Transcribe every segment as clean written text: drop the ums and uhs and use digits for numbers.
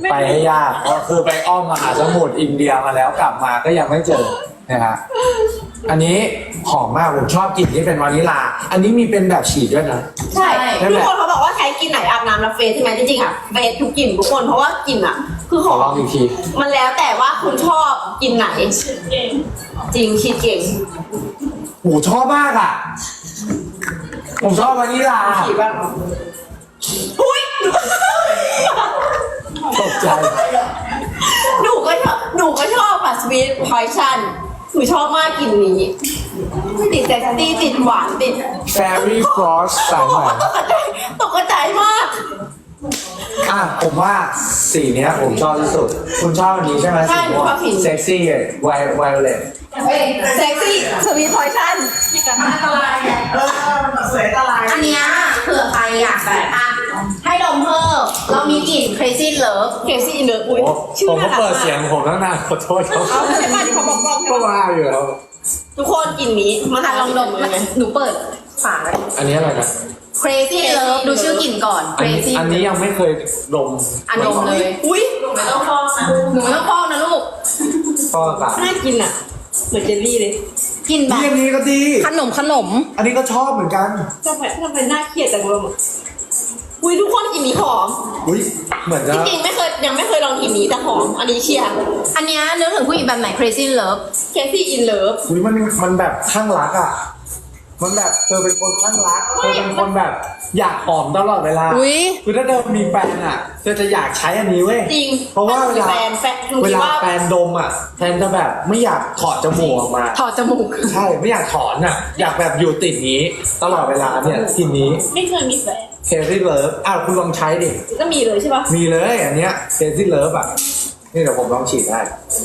ไปให้ยากก็คือไปอ้อมมหาสมุทรอินเดียมาแล้วกลับมาก็ยังไม่เจอนะฮะอันนี้หอมมากผมชอบกลิ่นที่เป็นวานิลาอันนี้มีเป็นแบบฉีดด้วยนะใช่ใช่ไหมทุกคนเขาบอกว่าใช้กลินไหนอาบน้ำแล้วเฟสใช่ไหมจริงๆอ่ะเฟสทุกกลิ่นทุกคนเพราะว่ากลิ่นอ่ะ คือหขออลองมอีกทีมันแล้วแต่ว่าคุณชอบกลิ่นไหนจริงชีดเก่งโหชอบมากอ่ะผมชอบวานิลาฉีดบ้างอุ้ยตกใจหนูก็ชอบค่ะสวีทพอยชั่นหนูชอบมากกลิ่นนี้ติดแต่ตีติดหวานติด Fairy Frost สายใหม่ตกใจมากอ่ะผมว่าสีเนี้ยผมชอบที่สุดคุณชอบอันนี้ใช่ไหมใช่สีม่วงชอบสีเซ็กซี่ไวโอเลตเซ็กซี่สวีทพอยชั่นอันตรายไงสวยอันตรายอันเนี้ยเผื่อใครอยากแบบอ่ะให้ดมเพิ่มเรามีกลิ่น crazy love เคซี่อินเนอร์อุ้ยโอ้ชื่อผมก็น่ารักเปิดมาเสียงกผมตั้งนานขอโทษครับเอาใช่ป่ะที่เขาบอกกล้องก็ว่าอยู่แล้วทุกคนกลิ่นนี้มาอ่ะลองดมเลยหนูเปิดฝาไว้อันนี้อะไรนะ crazy love ดูชื่อกลิ่นก่อน crazy อันนี้ยังไม่เคยดมอันดมเลยอุ้ยไม่ต้องฟอกนะหนูไม่ต้องฟอกนะลูกก็อากาศน่ากินอ่ะเหมือนเจลลี่เลยกลิ่นแบนี่บอันนี้ก็ดีขนมอันนี้ก็ชอบเหมือนกันทำไมน่าเครียดจังเลยอ่ะอุ้ยทุกคนกลิ่นนี้หอมอุ้ยเหมือนจะจริงๆยังไม่เคยลองกลิ่นนี้แต่หอมอันนี้เชียร์อันเนี้ยนึกถึงผู้หญิงแบบไหน crazy love เคซี่อินเลิฟอุ้ยมันแบบข้างรักอ่ะมันแบบเธอเป็นคนข้างรักเธอเป็นคนแบบอยากหอมตลอดเวลาอุ๊ยคือถ้าเธอมีแฟนอ่ะเธอจะอยากใช้อันนี้เว้ยจริงเพราะว่าเวลาแฟนหนูเวคิดลาว่าแฟนดมอ่ะแฟนจะแบบไม่อยากถอดจมูกออกมาถอดจมูกใช่ไม่อยากถอนอ่ะ อยากแบบอยู่ติดนี้ ตลอดเวลาเนี่ยทีนี้ไม่เคยมีแฟนเคซี่เลิฟอ้าวคุณลองใช้ดิก็มีเลยใช่ปะมีเลยอันเนี้ยเคซี่เลิฟอ่ะนี่เดี๋ยวผมลองฉีดให้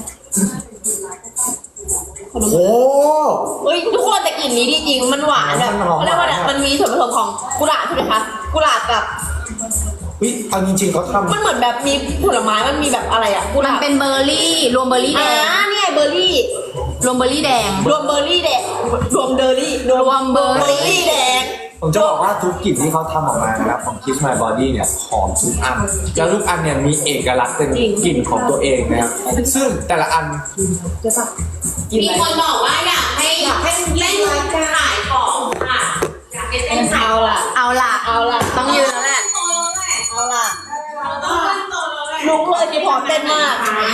โอ้เฮ้ยทุกคนแต่กลิ่นนี้ดีจริงมันหวานแบบมันหอมเขาเรียกว่าอะไรมันมีส่วนผสมของกุหลาบใช่ไหมคะกุหลาบกับวิเอาจริงๆเขาทำมันเหมือนแบบมีผลไม้มันมีแบบอะไรอะกุหมัลาน บเป็นเบอร์รี่รวมเบอร์รี่แดเนี่ยเบอร์รี่รวมเบอร์รี่แดงรวมเบอร์รี่แดงรวมเดอร์รี่รวมเบอร์รี่แดงผมจะบอกว่าทุกกลิ่นที่เขาทำออกมานะครับของ Kiss My Body เนี่ยหอมทุกอันแล้วทุกอันเนี่ยมีเอกลักษณ์เป็นกลิ่นของตัวเองนะครับซึ่งแต่ละอันมีคนบอกว่าอยากให้เล่นขายของค่ะอยากให้เต้นขายเอาล่ะเอาล่ะเอาล่ะต้องยืนแล้วแหละเอาล่ะลุกเลยที่พร้อมเต้นมาก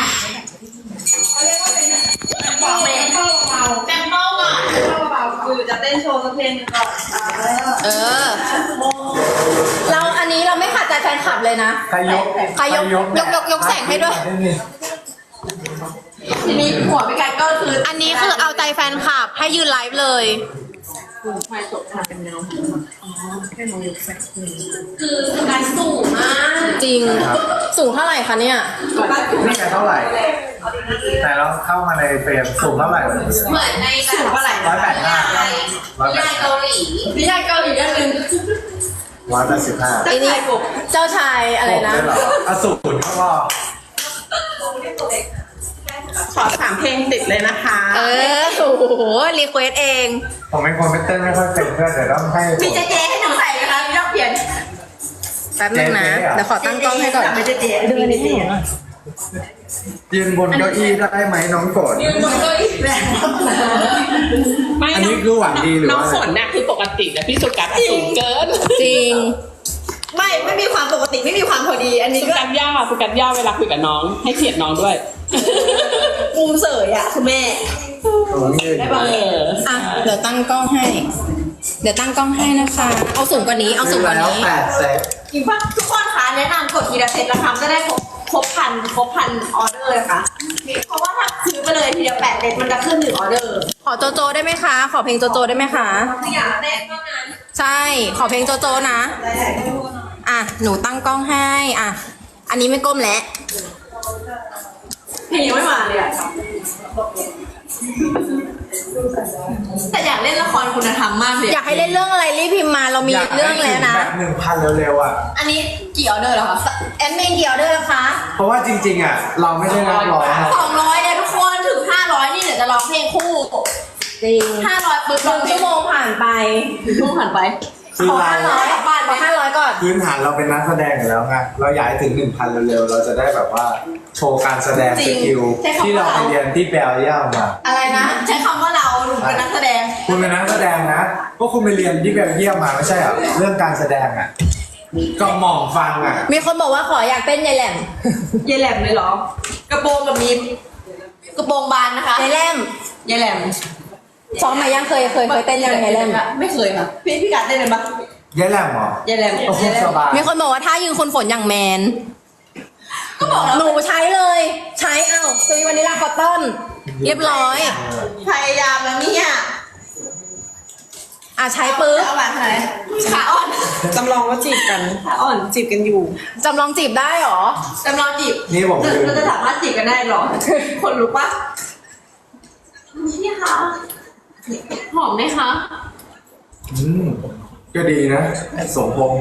แตมเปิลก่อนคือจะเต้นโชว์สักเพลงหนึงก่อนเออ เราอันนี้เราไม่ขาดใจแฟนคลับเลยนะใครยกใครยกแสงให้ด้วยทีนี้หัวพี่ไก่ก็คืออันนี้คือเอาใจแฟนคลับให้ยืนไลฟ์เลย คือการสูงมากจริง สูงเท่าไหร่คะเนี่ยนี่เท่าไหร่ แต่เราเข้ามาในเฟรมสูงเท่าไหร่เหมือนในแบบสูงเท่าไหร่ 185 นิยายเกาหลีพี่ไก่เกาหลีอันหนึ่ง 185 ไอ้นี่เจ้าชายอะไรนะได้เหรออสูรเขาบอกขอ3เพลงติดเลยนะคะเออ โอ้โห รีเควสเองผมเป็นคนไม่เต้นไม่ค่อยเป็นเพื่อนเดี๋ยวต้องให้มีเจให้หนูใส่ไหมคะมีรอบเปลี่ยนแป๊บนึงนะ เดี๋ยวขอตั้งกล้องให้ก่อนไม่เจดูอันนี้สิยืนบนเก้าอี้ได้ไหมน้องฝนไม่อันนี้คือหวังดีหรือน้องว่าฝนน่ะคือปกติแต่พี่สุกัสอะสูงเกินจริงไม่มีความปกติไม่มีความพอดี อันนี้สุก็กัสย่าเวลาคุยกับน้อง ให้เกียรติน้องด้วยมุมเสยอ่ะคุณแม่ ได้ปะเอออ่ะ เดี๋ยวตั้งกล้องให้ เดี๋ยวตั้งกล้องให้นะคะ เอาสูงกว่านี้ เอาสูงกว่าแล้วนี้ 8 เซตอีกว่าทุกคนคะแนะนำกดทีละเซตละครั้งจะได้ครบพันออเดอร์เลยค่ะเพราะว่าถ้าซื้อไปเลยทีเดียว8เซตมันจะขึ้น1ออเดอร์ขอโจโจได้ไหมคะ ขอเพลงโจโจได้ไหมคะถ้าอยากเต้นก็นั้นใช่ ขอเพลงโจโจนะ อ่ะ หนูตั้งกล้องให้ อ่ะ อันนี้ไม่ก้มแล้วเพลงยังไม่มาเลยอ่ะแต่อยากเล่นละครคุณธรรมมากเลยอยากให้เล่นเรื่องอะไรรีบพิมพ์มา เรามีเรื่องแล้วนะแบบ 1,000 เร็วๆอ่ะอันนี้กี่ออเดอร์แล้วคะแอดมินเดียวด้วยนะคะเพราะว่าจริงๆอ่ะ เราไม่ได้นับร้อยนะ 200เนี่ยทุกคนถึง500นี่เดี๋ยวจะร้องเพลงคู่จริง 500ปุ๊บ 1 ชั่วโมงผ่านไปช่วงผ่านไปคือขอเรา 500กลับบ้านขอ500ก่อนพื้นฐานเราเป็นนักแสดงอยู่แล้วไงเราอยากให้ถึง 1,000 เร็วๆ เราจะได้แบบว่าโชว์การแสดงสกิลที่เราไปเรียนที่เบลเยียมมาอะไรนะ ใช้คำว่าเราหนูเป็นนักแสดงคุณเป็นนักแสดงนะพวกคุณไปเรียนที่เบลเยียมมาไม่ใช่เหรอเรื่องการแสดงอ่ะก็หม่อมฟังอ่ะมีคนบอกว่าขออยากเต้นยายแหลมยายแหลมเลยเหรอ กระโปรงกับมีกระโปรงบานนะคะยายแหลมยายแหลมซ้อมมายังเคยเต้นยังยายแหลมไม่เคยค่ะพี่กัดได้เลยปะแย่แหลมเหรอยายแหลมโอ้โหยายแหลสมบายมีคนบอกว่าถ้ายืนคนฝนอย่างแมนก็บอกแล้วหนูใช้เลย ใช้ซื้อวานิลลาคอตตอนเรียบร้อยพยายามแล้วเนี่ยใช้ปึ๊บเอาหวานไหนขาอ่อนจำลองว่าจีบกันขาอ่อนจีบกันอยู่จำลองจีบได้เหรอจำลองจีบนี่ผมลืมเราจะสามารถจีบกันได้เหรอ คนรู้ปะนี่ค่ะหอมไหมคะก็ดีนะสมพงษ์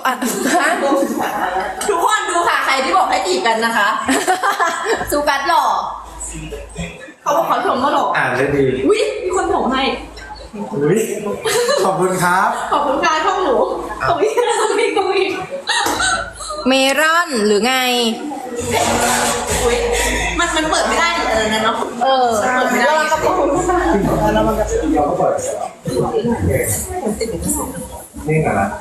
ทุกคนดูค่ะใครที่บอกให้จีบกันนะคะ ซูกัสหล่อเขาบอกเขาชมว่าหล่ออ่านได้ดีอุ้ยมีคนส่งให้อุ๊ยขอบคุณครับขอบคุณค่ะช่องหนูขอบคุณค่ะพี่กุ้ยเมรอนหรือไงอุ้ยมันเปิดไม่ได้นี่นั่นเนาะเปิดไม่ได้กระโปรงเราก็เปิดนี่เหรอนะ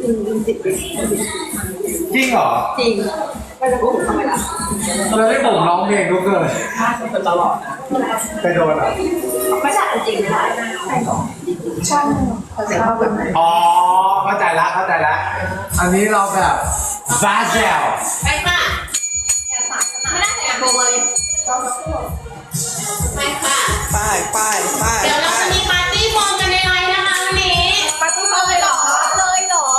จริงเหรอจริงไม่จะโกหกทำไมล่ะเราได้ผมร้องเพลงทุกเกินเป็นตลอดไปโดนอ่ะไม่ใช่จริงไม่ได้ช่องเสียงเขาแบบไหนอ๋อเข้าใจละอันนี้เราแบบฟาเซลไปค่ะไม่ได้ใส่กระโปรงเลยไปค่ะไปไปไปเดี๋ยวเราจะมีปาร์ตี้โฟมกันในไลน์นะคะวันนี้ปาร์ตี้เลยเหรอเลยเหรอ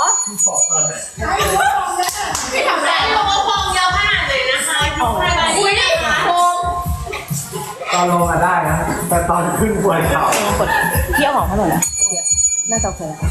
พี่ทำได้ลงว่าโฟมเยอะขนาดไหนนะคะคุยได้ค่ะโปรงตอนลงมาได้นะ แต่ตอนขึ้นปวดเข่าเที่ยวหอมให้หน่อยนะน่าจะโอเคแล้ว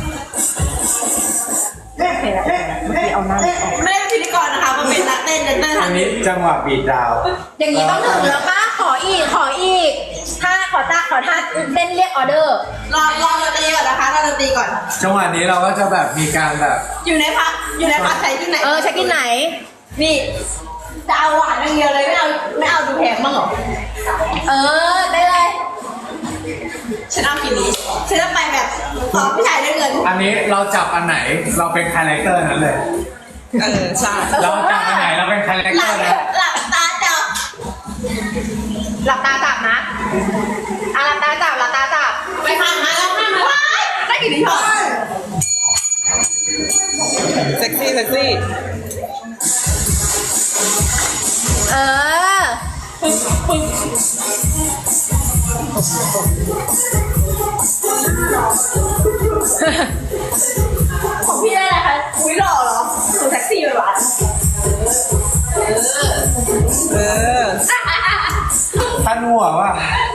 เมื่อกี้เอาหน้าออกไม่ได้เป็นพิธีกรนะคะมันเป็นนักเต้นเต้นอัทั้นงนี้จังหวะบีดดาวอย่างนี้ต้องถึงแล้วป้าขออีกถ้าขอท่าเต้นเรียกออเดอร์รอดนตรีก่อนนะคะรอดนตรีก่อนจังหวะนี้เราก็จะแบบมีการแบบอยู่ในพักใช้ที่ไหนเช็คกินไหนนี่จะเอาหวานอย่างเดียวเลยไม่เอาดูแพงบ้างเหรอได้เลยฉันเอากินนี้ฉันจะไปแบบตอบผู้ชายได้เงินอันนี้เราจับอันไหนเราเป็นคาแรคเตอร์นั้นเลยใช่เราจับอันไหนเราเป็นคาแรคหเตลัอบ ร์นั้นหลับตาจับหลับตาจับนะหลับตาจับไปค่ะมาแล้วค่ะมาว้ายได้กี่ทีพอเซ็กซี่ของพี่ได้อะไรคะอุ้ยหล่อเหรอหนูแท็กซี่ไปหวานท่านหัวว่ะ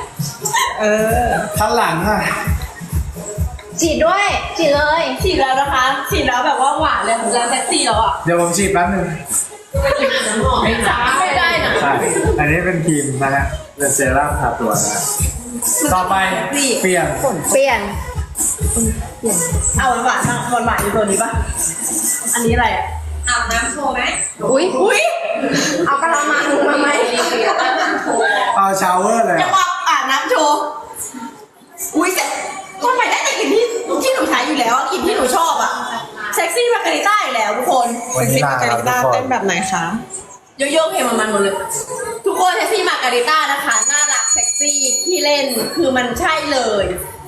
ท่านหลังอ่ะฉีดด้วยฉีดเลยฉีดแล้วนะคะฉีดแล้วแบบว่าหวานเลยแล้วแท็กซี่แล้วอ่ะเดี๋ยวผมฉีดแป๊บนึงไม่ได้นะใช่อันนี้เป็นครีมนะฮะเป็นเซรั่มทาตัวนะฮะต่อไปเปลี่ยนเปลี่ยนเอาหวานอยู่ตัวนี้ปะอันนี้อะไรอ่ะอาบน้ำโชว์ไหมอุ้ยอุ้ยเอากระมังมาไหมเอาชาวเวอร์เลยจังหวะอาบน้ำโชว์อุ้ยแต่ทำไมได้แต่กลิ่นที่หนูใช้อยู่แล้วอะกลิ่นที่หนูชอบอ่ะเซ็กซี่มาการิต้าอยู่แล้วทุกคนวันนี้ลาครับทุกคนเต้นแบบไหนคะโยโย่เพลงมันหมดเลย ทุกคนเซ็กซี่มาการิต้านะคะน่ารักเซ็กซี่ขี้เล่นคือมันใช่เลย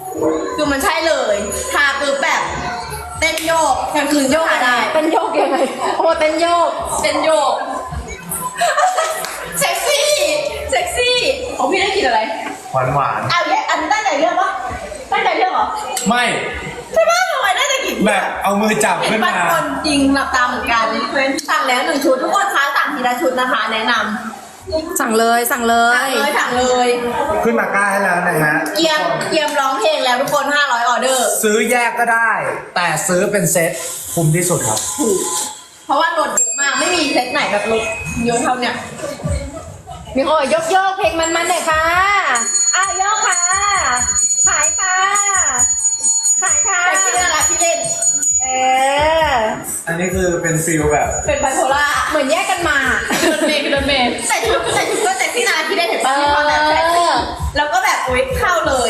ทาปุ๊บแบบเต้นโยกกลางคืนโยกได้เป็นโยกยังไงโอ้เป็นโยกเต้นโยกเซ็กซี่ของพี่ได้กลินอะไรหวานหวานเอาเนี่ยอันนี้ตั้งใจเลือกปะตั้งใจเลือกเหรอๆไม่ใช่ปะทำไมได้แต่กลินแบบเอามือจับเห็ขึ้นนบางมาคนจริงหลับตาเหมือนกันเพื่อนสั่งแล้ว1 ชุดทุกคนคะสั่งทีละชุดนะคะ แนะนำสั่งเลยสั่งเลยขึ้นมาก้าให้แล้วนะฮะเกียมร้องเพลงแล้วทุกคน500ออเดอร์ซื้อแยกก็ได้ แต่ซื้อเป็นเซ็ตคุ้มที่สุดครับถูกเพราะว่าลดเยอะมากไม่มีเซตไหนแบบลดเยอะเท่าเนี้ยมีคนบอกโยกเพลงมันหน่อยค่ะโยกค่ะขายค่ะใครคิดเรื่องอะไรพี่เล่นเอออันนี้คือเป็นฟิลแบบเป็นไบโพล่าเหมือนแยกกันมาโดนเมย์โดนเมย์ใส่ชุดก็เซ็กซี่นะที่ได้เห็นป่ะที่เขาแบบใส่แล้วก็แบบอุ๊ยเข้าเลย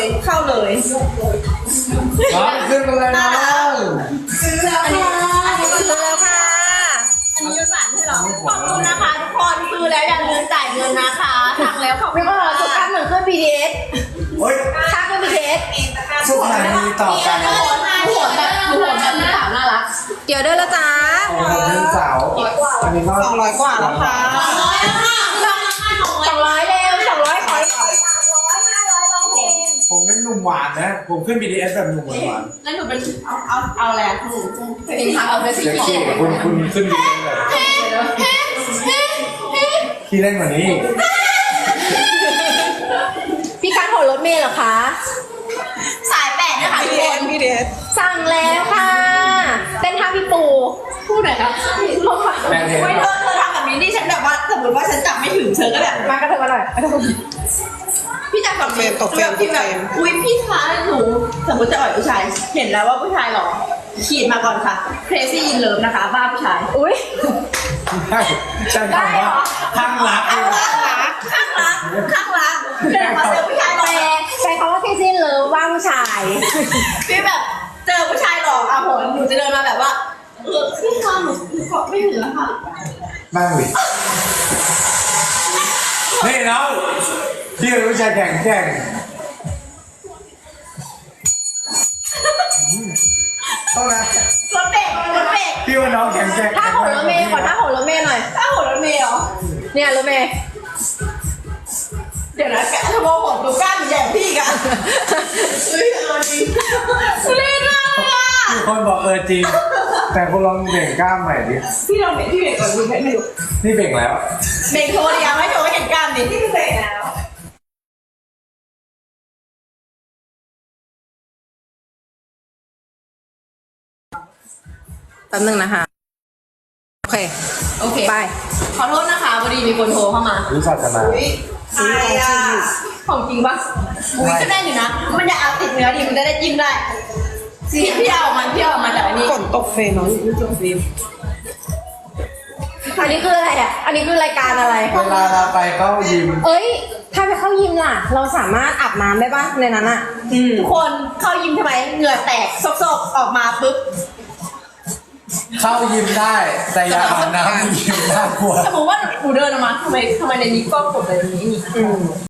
น้องขึ้นมาเลยน้องอันนี้ซื้อแล้วค่ะอันนี้ยูสันใช่หรอขอบคุณนะคะทุกคนซื้อแล้วอย่าลืมจ่ายเงินนะคะสั่งแล้วขอบคุไม่ณก็เราสุดท้ายเหมือนเครื่อง BTS โอ๊ยค่าเครื่อง BTS สถานีต่อกันหัวแบบสาวน่ารักเดี๋ยวเด้อแล้วจ้าของผมเป็นสาวอันนี้ก็ 200 กว่าแล้วค่ะ 200เร็ว200ขอ300 500ร้องเพลงผมเป็นหนุ่มหวานนะ ผมขึ้น BTS แบบหนุ่มหวานแล้วหนูเป็นเอาอะไรหนูเป็นทางเอาไปสิเซ็กซี่คุณขึ้น BTS แบบที่เล่นกว่านี้พี่การขอรถเมล์เหรอคะสายแปดนะคะทุกคนพี่เดชสั่งแล้วค่ะเต้นท่าพี่ปูพูดหน่อยครับแม่เพลงไม่เธอทำแบบนี้ดิฉันแบบว่าสมมติว่าฉันจับไม่ถึงเธอก็แบบมากระเถิบมาหน่อยพี่จับแบบพี่แบบอุ้ยพี่คะหนูสมมติจะอ่อยผู้ชาย เห็นแล้วว่าผู้ชายหรอขีดมาก่อนค่ะ crazy in love นะคะ บ้าผู้ชายอุ้ยใช่ใช่คำว่าข้างรักข้างรักเดินมาเจอผู้ชายหล่อแปลคำว่าแค่สิ้นเลยว่าผู้ชายพี่แบบเจอผู้ชายหล่ออ่ะผมหนูจะเดินมาแบบว่าพี่คะหนูเกาะไม่ถึงแล้วค่ะนั่งดินี่น้องพี่เป็นผู้ชายแข่งเท่านั้นรถเบรกพี่ว่าน้องแข่งถ้าโหรถเมย์ขอถ้าโหรถเมย์หน่อยถ้าหัวรถเมล์เหรอเนี่ยรถเมย์เดี๋ยวนะแกทำโมผมดูกล้ามใหญ่พี่กันเฮ้ยเล่นมากอ่ะมีคนบอกจริง แต่คุณลองเบ่งกล้ามใหม่ดิพี่ลองเบรกก่อนดูให้ดูนี่เบ่งแล้วเบรกโชว์ดิยังไม่โชว์ให้เห็นกล้ามดินี่คือเบรกแล้วแป๊บนึงนะคะ โอเคโอเคไปขอโทษนะคะพอดีมีคนโทรเข้ามารู้สัจนาใช่อ่ะของจริงปะอุ้ยก็ได้อยู่นะ มันจะเอาติดเนื้อดิมันจะได้จิ้มได้พี่เอามันจากอันนี้ฝนตกเฟรนเนาะตกเฟรนอันนี้คืออะไรอ่ะ อันนี้คือรายการอะไรเวลาเราไปเข้ายิมเอ้ย ถ้าไปเข้ายิมล่ะ เราสามารถอาบน้ำได้ปะในนั้นอ่ะทุกคนเข้ายิมทำไมเหงื่อแตกซกๆออกมาปุ๊บเข้ายิมได้ แต่อย่าอาบน้ำในยิมน่ากลัวสมมติว่าหนูเดินออกมาทำไมในนี้กล้องกดอะไรอย่างนี้นี่